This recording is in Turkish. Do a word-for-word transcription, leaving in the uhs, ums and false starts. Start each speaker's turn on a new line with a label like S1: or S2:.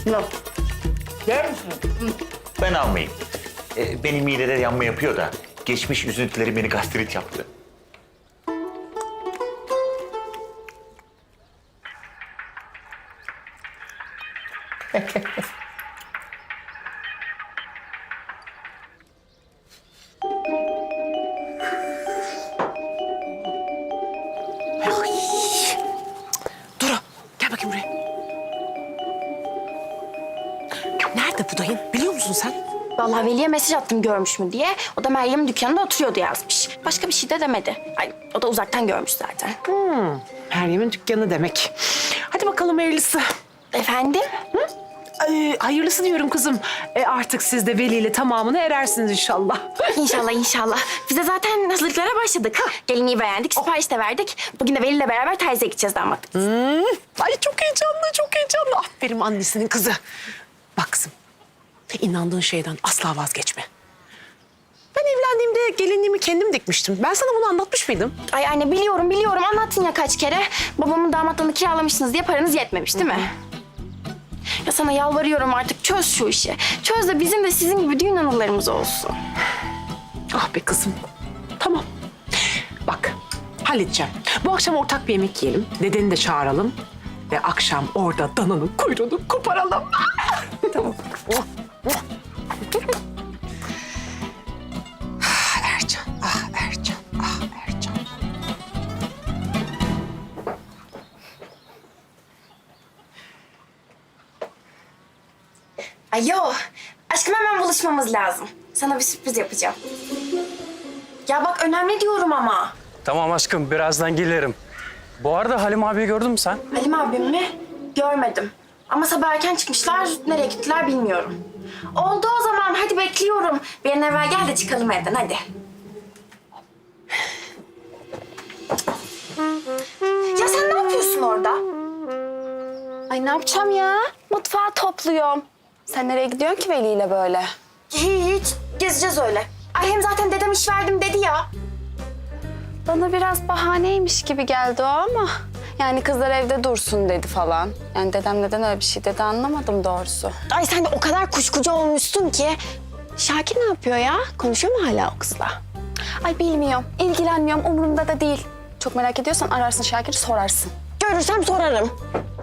S1: Yok. Yer misin?
S2: Ben almayayım. Ee, benim midede yanma yapıyor da geçmiş üzüntülerim beni gastrit yaptı.
S3: Duru, gel bakayım buraya. Nerede bu dayın? Biliyor musun sen?
S4: Vallahi Veli'ye mesaj attım görmüş mü diye. O da Meryem'in dükkanında oturuyordu yazmış. Başka bir şey de demedi. Ay, o da uzaktan görmüş zaten.
S3: Meryem'in dükkanı demek. Hadi bakalım hayırlısı.
S4: Efendim?
S3: Ay, hayırlısı diyorum kızım. E artık siz de Veli ile tamamına erersiniz inşallah.
S4: İnşallah inşallah. Biz de zaten hazırlıklara başladık. Gelinliği beğendik, sipariş de verdik. Bugün de Veli ile beraber terziye gideceğiz damatlık.
S3: Hmm. Ay çok heyecanlı, çok heyecanlı. Aferin annesinin kızı. Bak kızım, inandığın şeyden asla vazgeçme. Ben evlendiğimde gelinliğimi kendim dikmiştim. Ben sana bunu anlatmış mıydım?
S4: Ay anne biliyorum biliyorum anlattın ya kaç kere. Babamın damatlığını kiralamışsınız diye paranız yetmemiş değil mi? Ya sana yalvarıyorum artık çöz şu işi. Çöz de bizim de sizin gibi düğün anılarımız olsun.
S3: Ah be kızım. Tamam. Bak, halledeceğim. Bu akşam ortak bir yemek yiyelim. Dedeni de çağıralım. Ve akşam orada dananın kuyruğunu koparalım. Tamam. Oh, oh. Ah Ercan, ah Ercan, ah Ercan.
S4: Ay yo, aşkım hemen buluşmamız lazım. Sana bir sürpriz yapacağım. Ya bak önemli diyorum ama.
S5: Tamam aşkım, birazdan gelirim. Bu arada Halim abiyi gördün mü sen?
S4: Halim abim mi? Görmedim. Ama sabah erken çıkmışlar, nereye gittiler bilmiyorum. Oldu o zaman, hadi bekliyorum. Bir an evvel gel de çıkalım evden, hadi. Ya sen ne yapıyorsun orada?
S6: Ay ne yapacağım ya? Mutfağı topluyorum. Sen nereye gidiyorsun ki Veli ile böyle?
S4: Hiç, gezeceğiz öyle. Ay hem zaten dedem iş verdim dedi ya.
S6: Bana biraz bahaneymiş gibi geldi o ama... Yani kızlar evde dursun dedi falan. Yani dedem neden öyle bir şey dedi anlamadım doğrusu.
S4: Ay sen de o kadar kuşkucu olmuşsun ki.
S6: Şakir ne yapıyor ya? Konuşuyor mu hala o kızla? Ay bilmiyorum, ilgilenmiyorum, umurumda da değil. Çok merak ediyorsan ararsın Şakir'i sorarsın.
S4: Görürsem sorarım.